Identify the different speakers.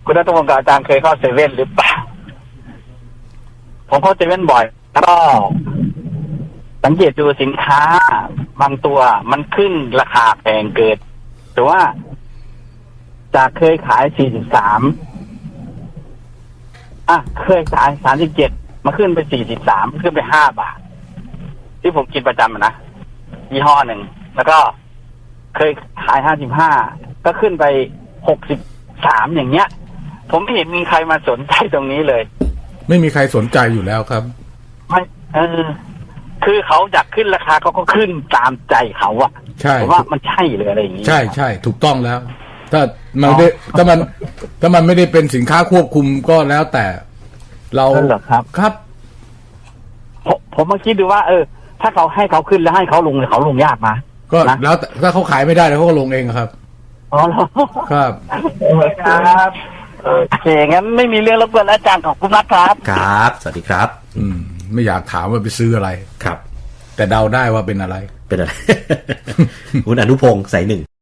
Speaker 1: คุณณัฐพงศ์กับอาจารย์เคยเข้าเซเว่นหรือเปล่าผมเข้าเซเว่นบ่อยก็สังเกตดูสินค้าบางตัวมันขึ้นราคาแพงเกินแต่ว่าจากเคยขาย43เคยขาย37มาขึ้นไป43ขึ้นไป5 บาทที่ผมกินประจำนะยี่ห้อหนึ่งแล้วก็เคยขาย55ก็ขึ้นไป63อย่างเงี้ยผมไม่เห็นมีใครมาสนใจตรงนี้เลย
Speaker 2: ไม่มีใครสนใจอยู่แล้วครับ
Speaker 1: ไม่คือเขาอยากขึ้นราคาเขาก็ขึ้นตามใจเขาอะ
Speaker 2: ใช่
Speaker 1: ผมว่ามันใช่เลยอะไรอย่างงี้
Speaker 2: ใช่ใช่ถูกต้องแล้วถ้ามันไม่ถ้ามันไม่ได้เป็นสินค้าควบคุมก็แล้วแต่เราครับ
Speaker 1: ผมมาคิดดูว่าถ้าเขาให้เขาขึ้นแล้วให้เขาลงเขาลงยากมา
Speaker 2: ก็แล้วถ้าเขาขายไม่ได้แล้วเขาก็ลงเองครับ
Speaker 1: อ๋อ
Speaker 2: ครับ
Speaker 1: ครับโอเคงั้นไม่มีเรื่องรบกวนอาจารย์ของคุณนัทครับ
Speaker 3: ครับสวัสดีครับ
Speaker 2: ไม่อยากถามว่าไปซื้ออะไร
Speaker 3: ครับ
Speaker 2: แต่เดาได้ว่าเป็นอะไร
Speaker 3: คุณอนุพงศ์สายหนึ่ง